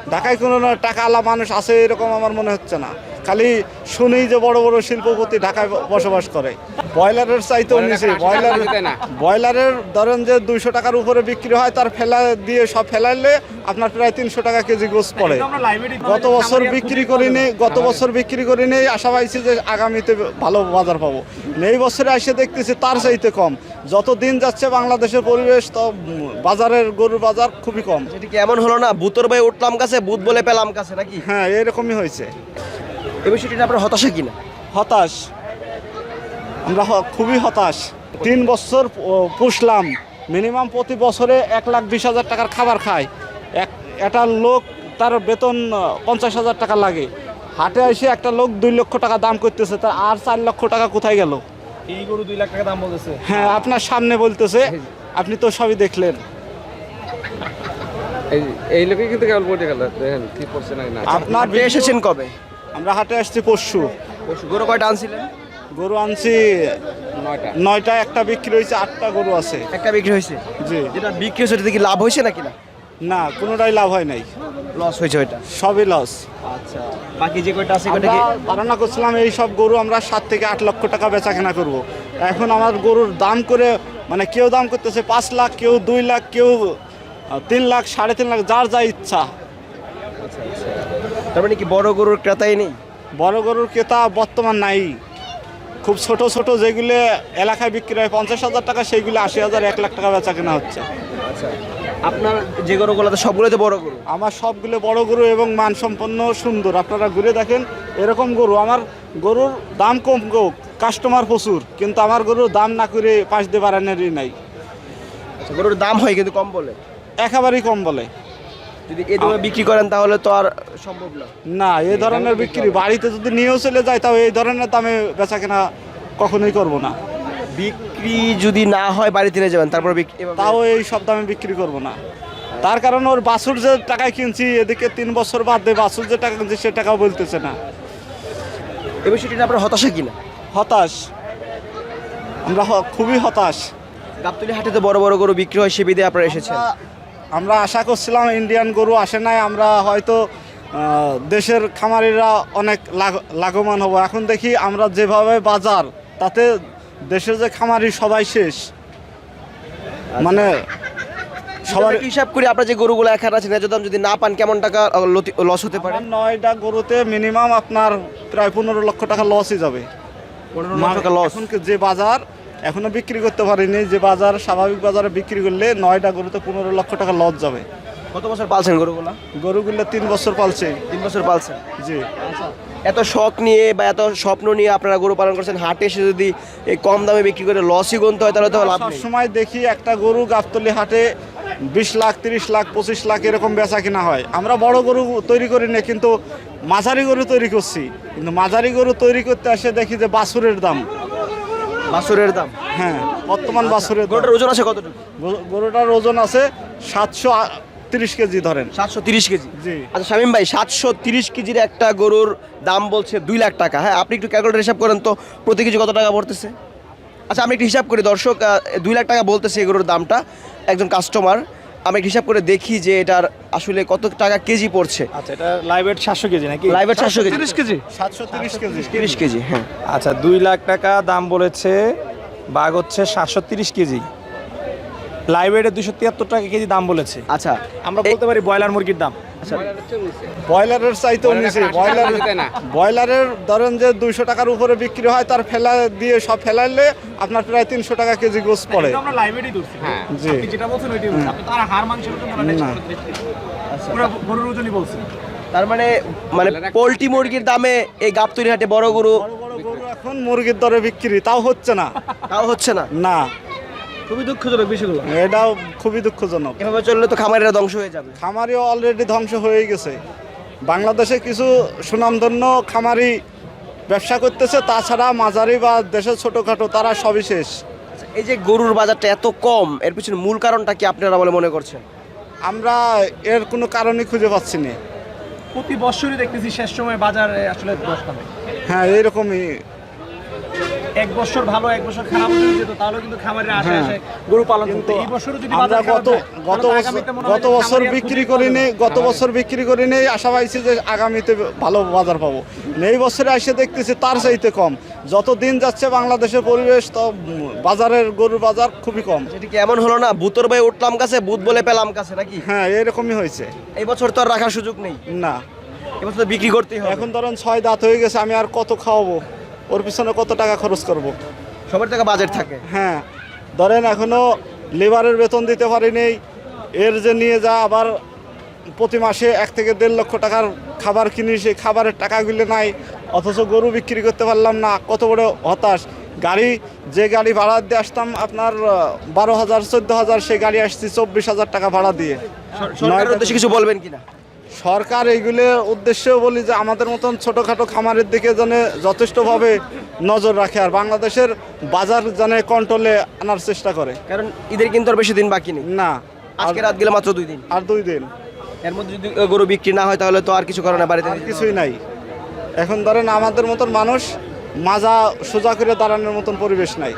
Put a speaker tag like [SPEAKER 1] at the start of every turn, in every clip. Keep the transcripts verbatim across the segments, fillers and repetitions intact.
[SPEAKER 1] ঢাকায় কোনো টাকা আলা মানুষ আছে এরকম আমার মনে হচ্ছে না। খালি শুনেই যে বড় বড় শিল্পপতি ঢাকায় বসবাস করে। ব্রয়লারের চাইতেও নিচে ব্রয়লার ব্রয়লারের ধরেন যে দুইশো টাকার উপরে বিক্রি হয়, তার ফেলা দিয়ে সব ফেলাইলে আপনার প্রায় তিনশো টাকা কেজি গোস পড়ে। গত বছর বিক্রি করিনি গত বছর বিক্রি করিনি আশা পাইছি যে আগামীতে ভালো বাজার পাবো। এই বছরে এসে দেখতেছি তার চাইতে কম। যত দিন যাচ্ছে বাংলাদেশের পরিবেশ তো বাজারের গরুর বাজার খুবই কম।
[SPEAKER 2] সেটা কি এমন হলো না বুতর ভাই উঠলাম কাছে বুত বলে পেলাম কাছে নাকি?
[SPEAKER 1] হ্যাঁ, এরকমই হয়েছে।
[SPEAKER 2] এই বিষয়টি আপনার হতাশা কিনা?
[SPEAKER 1] হতাশ, আমরা খুবই হতাশ। তিন বছর পুষলাম, মিনিমাম প্রতি বছরে এক লাখ বিশ হাজার টাকার খাবার খায়। এক একটা লোক তার বেতন পঞ্চাশ হাজার টাকা লাগে, হাটে এসে একটা লোক দুই লক্ষ টাকা দাম করতেছে, তার আর চার লক্ষ টাকা কোথায় গেল?
[SPEAKER 3] এই গরু দুই লাখ টাকা দাম বলতেছে।
[SPEAKER 1] হ্যাঁ, আপনার সামনে বলতেছে, আপনি তো সবই দেখলেন।
[SPEAKER 3] এই লোকে কিন্তু কেবল বলতে গেল দেখেন কি করছে না না।
[SPEAKER 1] আপনার
[SPEAKER 2] এসেছেন কবে?
[SPEAKER 1] আমরা হাটে আসছি পরশু।
[SPEAKER 2] গরু কয়টা আনছিলেন?
[SPEAKER 1] গরু আনছি
[SPEAKER 3] নয়টা
[SPEAKER 1] নয়টা একটা বিক্রি হয়েছে, আটটা গরু আছে।
[SPEAKER 2] একটা বিক্রি হয়েছে?
[SPEAKER 1] জি।
[SPEAKER 2] যেটা বিক্রি হয়েছে ওটাতে কি লাভ হয়েছে নাকি না?
[SPEAKER 1] না, কোনোটাই লাভ হয় নাই,
[SPEAKER 2] লস হয়েছে ওইটা।
[SPEAKER 1] সবই লস।
[SPEAKER 2] আচ্ছা, বাকি যে কয়টা আছে
[SPEAKER 1] আমরা ধারণা করছিলাম এই সব গরু আমরা সাত থেকে আট লক্ষ টাকা বেচা কেনা করবো। এখন আমার গরুর দাম করে মানে কেউ দাম করতেছে পাঁচ লাখ, কেউ দুই লাখ, কেউ তিন লাখ, সাড়ে তিন লাখ, যার যা ইচ্ছা।
[SPEAKER 2] তার মানে কি বড় গরুর ক্রেতাই নেই?
[SPEAKER 1] বড় গরুর ক্রেতা বর্তমান নাই। খুব ছোট ছোট যেগুলো এলাকায় বিক্রি হয় পঞ্চাশ হাজার টাকা, সেইগুলো আশি হাজার এক লাখ টাকা বেচা কেনা হচ্ছে।
[SPEAKER 2] আচ্ছা, আপনার যে গরুগুলো তো সবগুলোতে বড় গরু?
[SPEAKER 1] আমার সবগুলো বড় গরু এবং মানসম্পন্ন সুন্দর। আপনারা ঘুরে দেখেন এরকম গরু। আমার গরুর দাম কম হোক, কাস্টমার প্রচুর, কিন্তু আমার গরুর দাম না করে পাঁচ দিয়ে বাড়ানোরই নাই।
[SPEAKER 2] আচ্ছা, গরুর দাম হয় কিন্তু কম বলে?
[SPEAKER 1] একেবারেই কম বলে।
[SPEAKER 2] যদি এই দামে বিক্রি করেন তাহলে তো আর সম্ভব না।
[SPEAKER 1] না, এই ধরনের বিক্রি বাড়িতে যদি নিয়েও চলে যায় তাও এই ধরনের দামে বেচা কেনা কখনোই করব না।
[SPEAKER 2] বিক্রি যদি না হয় বাড়িতে নিয়ে যাবেন, তারপর
[SPEAKER 1] তাও এই সব দামে বিক্রি করব না। তার কারণ ওর বাছুর যে টাকায় কিনছি, এদিকে তিন বছর বাদ দিয়ে বাছুর যে টাকা কিনছি সে টাকাও বলতেছে না।
[SPEAKER 2] এই বিষয়টি আপনার হতাশা কিনা?
[SPEAKER 1] হতাশ, আমরা খুবই হতাশ।
[SPEAKER 2] গাবতলী হাটে তো বড় বড় গরু বিক্রি হয়, সে বিধে আপনারা এসেছেন।
[SPEAKER 1] আমরা আশা করছিলাম ইন্ডিয়ান গরু আসে নাই, আমরা হয়তো দেশের খামারিরা অনেক লাভবান হব। এখন দেখি আমরা যেভাবে বাজার, তাতে দেশের যে খামারি সবাই শেষ। মানে
[SPEAKER 2] সবার হিসাব করে আপনার যে গরুগুলো এখানে আছে ন্যায্য দাম যদি না পান কেমন টাকা লস হতে পারে?
[SPEAKER 1] নয়টা গরুতে মিনিমাম আপনার প্রায় পনেরো লক্ষ টাকা লসই যাবে।
[SPEAKER 2] পনেরো লক্ষ টাকা লস।
[SPEAKER 1] এখন যে বাজার এখনো বিক্রি করতে পারিনি, যে বাজার স্বাভাবিক বাজারে বিক্রি করলে নয়টা গরুতে পনেরো লক্ষ টাকা লস যাবে।
[SPEAKER 2] কত বছর পালছেন গরুগুলো?
[SPEAKER 1] গরুগুলো তিন বছর পালছে।
[SPEAKER 2] তিন বছর পালছেন?
[SPEAKER 1] জি।
[SPEAKER 2] এত শখ নিয়ে বা এত স্বপ্ন নিয়ে আপনারা গরু পালন করছেন, হাটে এসে যদি এই কম দামে বিক্রি করে লসই গুনতে হয় তাহলে তো লাভ নেই।
[SPEAKER 1] সবসময় দেখি একটা গরু গাবতলী হাটে বিশ লাখ, তিরিশ লাখ, পঁচিশ লাখ এরকম বেচা কিনা হয়। আমরা বড় গরু তৈরি করি না, কিন্তু মাঝারি গরু তৈরি করছি। কিন্তু মাঝারি গরু তৈরি করতে এসে দেখি যে বাছুরের দাম।
[SPEAKER 2] বাছুরের দাম?
[SPEAKER 1] হ্যাঁ, বর্তমান বাছুরের।
[SPEAKER 2] গরুটার ওজন আছে কতটুকু?
[SPEAKER 1] গরুটার ওজন আছে সাতশো তিরিশ কেজি ধরেন।
[SPEAKER 2] সাতশো তিরিশ কেজি?
[SPEAKER 1] জি।
[SPEAKER 2] আচ্ছা শামীম ভাই, সাতশো তিরিশ কেজির একটা গরুর দাম বলছে দুই লাখ টাকা। হ্যাঁ, আপনি একটু ক্যালকুলেটর হিসাব করেন তো প্রতি কেজি কত টাকা পড়তেছে? আচ্ছা, আমি একটু হিসাব করি। দর্শক দুই লাখ টাকা বলতেছে এই গরুর দামটা, একজন কাস্টমার। আমি হিসাব করে দেখি যে এটার আসলে কত টাকা কেজি পড়ছে।
[SPEAKER 3] আচ্ছা, এটা লাইভ ওয়েট সাতশো কেজি নাকি?
[SPEAKER 2] লাইভ ওয়েট সাতশো কেজি?
[SPEAKER 3] তিরিশ কেজি?
[SPEAKER 1] সাতশো তিরিশ কেজি।
[SPEAKER 2] তিরিশ কেজি, হ্যাঁ।
[SPEAKER 3] আচ্ছা, দুই লাখ টাকা দাম বলেছে, বাঘ হচ্ছে সাতশো তিরিশ কেজি, লাইভ ওয়েটে দুশো তিয়াত্তর টাকা কেজি দাম বলেছে।
[SPEAKER 2] আচ্ছা,
[SPEAKER 3] আমরা বলতে পারি ব্রয়লার মুরগির দাম।
[SPEAKER 2] আচ্ছা,
[SPEAKER 1] ব্রয়লারের চাইতেও নিচে। ব্রয়লার ব্রয়লারের ধরেন যে দুইশো টাকার উপরে বিক্রি হয়, তার ফেলা দিয়ে সব ফেলাইলে আপনার প্রায় তিনশো টাকা কেজি গোস পড়ে।
[SPEAKER 3] আমরা লাইভ ওয়েটই ধরছি। হ্যাঁ,
[SPEAKER 1] জি।
[SPEAKER 3] আপনি যেটা বলছেন ওইটাই বলছেন। আপনি তার হাড় মাংসের ওজন বলা নাই, পুরো গরুর ওজনই বলছেন।
[SPEAKER 2] তার মানে মানে পোল্ট্রি মুরগির দামে এই গাবতলী হাটে বড় গরু
[SPEAKER 1] বড় বড় গরু এখন মুরগির দরে বিক্রি, তাও হচ্ছে না।
[SPEAKER 2] তাও হচ্ছে না?
[SPEAKER 1] না,
[SPEAKER 2] খুবই দুঃখজনক বিষয়গুলো।
[SPEAKER 1] এটাও খুবই দুঃখজনক।
[SPEAKER 2] এভাবে চললে তো খামারিরা ধ্বংস হয়ে যাবে।
[SPEAKER 1] খামারিও অলরেডি ধ্বংস হয়ে গেছে। বাংলাদেশে কিছু সুনামধন্য খামারি ব্যবসা করতেছে, তাছাড়া মাঝারি বা দেশের ছোটোখাটো তারা সবই শেষ।
[SPEAKER 2] এই যে গরুর বাজারটা এত কম, এর পিছনে মূল কারণটা কি আপনারা বলে মনে করছেন?
[SPEAKER 1] আমরা এর কোনো কারণই খুঁজে পাচ্ছি না।
[SPEAKER 3] প্রতি বছরই দেখতেছি শেষ সময় বাজারে আসলে দশ কমে।
[SPEAKER 1] হ্যাঁ, এইরকমই
[SPEAKER 3] এক বছর ভালো এক বছর খারাপ হয়ে যেত তাহলে কিন্তু খামারের আশে
[SPEAKER 1] হ্যাঁ।
[SPEAKER 3] আসে গরু পালন করতে এই বছরও যদি
[SPEAKER 1] আমরা
[SPEAKER 3] বাজার খারাপ
[SPEAKER 1] গত
[SPEAKER 3] হয়,
[SPEAKER 1] গত
[SPEAKER 3] তাহলে তো
[SPEAKER 1] বছর
[SPEAKER 3] আগামীতে মনে হয়
[SPEAKER 1] গত
[SPEAKER 3] যে
[SPEAKER 1] বছর
[SPEAKER 3] খামারি আর
[SPEAKER 1] বিক্রি
[SPEAKER 3] খুবই
[SPEAKER 1] করিনি
[SPEAKER 3] ভালো।
[SPEAKER 1] গত বছর বিক্রি করিনি আশা পাইছি যে আগামীতে ভালো বাজার পাবো এই বছরে এসে দেখতেছি তার চাইতে কম যত দিন যাচ্ছে বাংলাদেশের পরিবেশ তো উম, বাজারের গরুর বাজার খুবই কম।
[SPEAKER 2] সেটা কি এমন হলো না বুতর ভাই উঠলাম কাছে বুধ বলে পেলাম কাছে নাকি?
[SPEAKER 1] হ্যাঁ এরকমই হয়েছে।
[SPEAKER 2] এই বছর তো আর রাখার সুযোগ নেই,
[SPEAKER 1] না
[SPEAKER 2] এবছর তো বিক্রি করতেই হবে।
[SPEAKER 1] এখন ধরেন ছয় দাঁত হয়ে গেছে, আমি আর কত খাওয়াবো, ওর পিছনে কত টাকা খরচ করব।
[SPEAKER 2] সবার টাকা বাজেট থাকে।
[SPEAKER 1] হ্যাঁ ধরেন এখনো লেবারের বেতন দিতে পারিনি, এর যে নিয়ে যা আবার প্রতি মাসে এক থেকে দেড় লক্ষ টাকার খাবার কিনি, সেই খাবারের টাকাগুলো নাই, অথচ গরু বিক্রি করতে পারলাম না, কত বড় হতাশ। গাড়ি যে গাড়ি ভাড়া দিয়ে আসতাম আপনার আহ, বারো হাজার চোদ্দ হাজার, সেই গাড়ি আসছি চব্বিশ হাজার টাকা ভাড়া দিয়ে।
[SPEAKER 2] সরকারের উদ্দেশ্যে কিছু বলবেন কিনা?
[SPEAKER 1] সরকার এইগুলোর উদ্দেশ্যেও বলি যে আমাদের মতন ছোটোখাটো খামারের দিকে যেন যথেষ্টভাবে নজর রাখে আর বাংলাদেশের বাজার যেন কন্ট্রোলে আনার চেষ্টা করে।
[SPEAKER 2] কারণ ঈদের কিন্তু আর বেশি দিন বাকি নেই,
[SPEAKER 1] না
[SPEAKER 2] আজকে রাত গেলে মাত্র দুই দিন,
[SPEAKER 1] আর দুই দিন,
[SPEAKER 2] এর মধ্যে যদি গরু বিক্রি না হয় তাহলে তো আর কিছু করে না, বাড়িতে
[SPEAKER 1] আর কিছুই নাই। এখন ধরেন আমাদের মতন মানুষ মাজা সোজা করে দাঁড়ানোর মতন পরিবেশ নাই।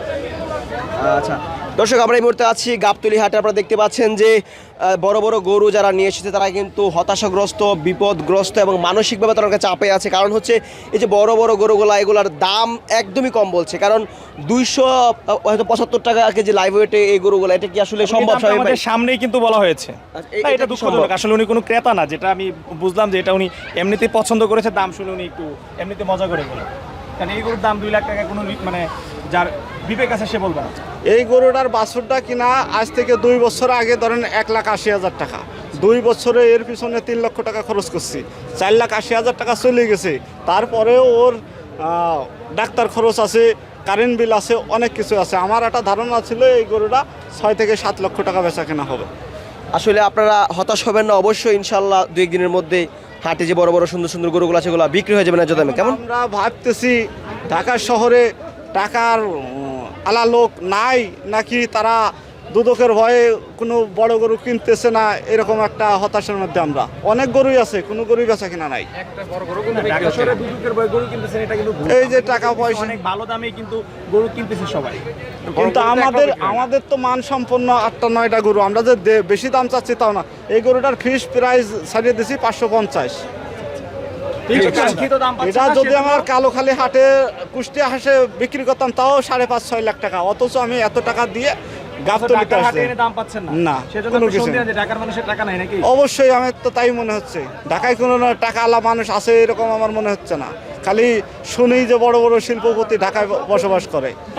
[SPEAKER 2] আচ্ছা দর্শক, আমরা এই মুহূর্তে আছি গাবতলী হাটে। আপনারা দেখতে পাচ্ছেন যে আহ, বড় বড় গরু যারা নিয়ে এসেছে তারা কিন্তু হতাশাগ্রস্ত, বিপদগ্রস্ত এবং মানসিকভাবে তার কাছে চাপে আছে। কারণ হচ্ছে এই যে বড় বড় গরুগুলা, এগুলার দাম একদমই কম বলছে। কারণ দুইশো হয়তো পঁচাত্তর টাকা কেজি লাইভ ওয়েটে এই গরুগুলা, এটা কি আসলে সম্ভব?
[SPEAKER 3] এই দামটা
[SPEAKER 2] স্বামী ভাই?
[SPEAKER 3] আমাদের সামনেই কিন্তু বলা হয়েছে।
[SPEAKER 2] আচ্ছা, এ-
[SPEAKER 3] না,
[SPEAKER 2] এটা
[SPEAKER 3] এটা
[SPEAKER 2] কি
[SPEAKER 3] দুঃখজনক।
[SPEAKER 2] সম্ভব?
[SPEAKER 3] আসলে উনি কোনো ক্রেতা না, যেটা আমি বুঝলাম যে এটা উনি এমনিতেই পছন্দ করেছে, দাম শুনে উনি একটু এমনিতে মজা করে বলে। কারণ এই গরুর দাম দুই লাখ টাকা কোনো রি- মানে যার বিবেক আছে সে বলবে না।
[SPEAKER 1] এই গরুটার বাছুরটা কিনা আজ থেকে দুই বছর আগে ধরেন এক লাখ আশি হাজার টাকা, দুই বছরে এর পিছনে তিন লক্ষ টাকা খরচ করছি, চার লাখ আশি হাজার টাকা চলে গেছে। তারপরেও ওর আহ, ডাক্তার খরচ আছে, কারেন্ট বিল আছে, অনেক কিছু আছে। আমার একটা ধারণা ছিল এই গরুটা ছয় থেকে সাত লক্ষ টাকা বেচা কেনা হবে।
[SPEAKER 2] আসলে আপনারা হতাশ হবেন না, অবশ্যই ইনশাল্লাহ দুই একদিনের মধ্যে হাটে যে বড় বড় সুন্দর সুন্দর গরুগুলো সেগুলো বিক্রি হয়ে যাবে না দামে। কেমন?
[SPEAKER 1] আমরা ভাবতেছি ঢাকা শহরে টাকার উম, আলা লোক নাই নাকি তারা দুদকের ভয়ে কোনো বড় গরু কিনতেছে না, এরকম একটা হতাশার মধ্যে আমরা। অনেক গরুই আছে, কোনো গরুই বেচা কিনা নাই।
[SPEAKER 3] ঢাকা শহরে দুদকের ভয়ে গরু কিনতেছেন, এটা কিন্তু ভুল।
[SPEAKER 1] এই যে টাকা পয়সা,
[SPEAKER 3] অনেক ভালো দামে কিন্তু গরু কিনতেছে সবাই।
[SPEAKER 1] কিন্তু আমাদের আমাদের তো মান সম্পন্ন আটটা নয়টা গরু, আমরা যে দে- বেশি দাম চাচ্ছি তাও না। এই গরুটার ফিস প্রাইস ছাড়িয়ে দিছি পাঁচশো পঞ্চাশ।
[SPEAKER 3] কাঙ্ক্ষিত দাম পাচ্ছে
[SPEAKER 1] এটা
[SPEAKER 3] না,
[SPEAKER 1] যদি
[SPEAKER 3] সেজন্য-
[SPEAKER 1] আমার কালোখালী হাটে কুষ্টিয়া হাসে বিক্রি করতাম তাও সাড়ে পাঁচ ছয় লাখ টাকা, অথচ আমি এত টাকা দিয়ে গাবতলিতে
[SPEAKER 3] ঢাকার হাটে
[SPEAKER 1] আসছি।
[SPEAKER 3] এনে দাম পাচ্ছেন না।
[SPEAKER 1] না,
[SPEAKER 3] সেজন্য
[SPEAKER 1] কোনো
[SPEAKER 3] আপনি
[SPEAKER 1] কিছু
[SPEAKER 3] সন্দেহ
[SPEAKER 1] না।
[SPEAKER 3] যে ঢাকার মানুষের টাকা নাই নাকি?
[SPEAKER 1] অবশ্যই আমার তো তাই মনে হচ্ছে, ঢাকায় কোনো না টাকা আলা মানুষ আছে এরকম আমার মনে হচ্ছে না। খালি শুনেই যে বড় বড় শিল্পপতি ঢাকায় বসবাস করে।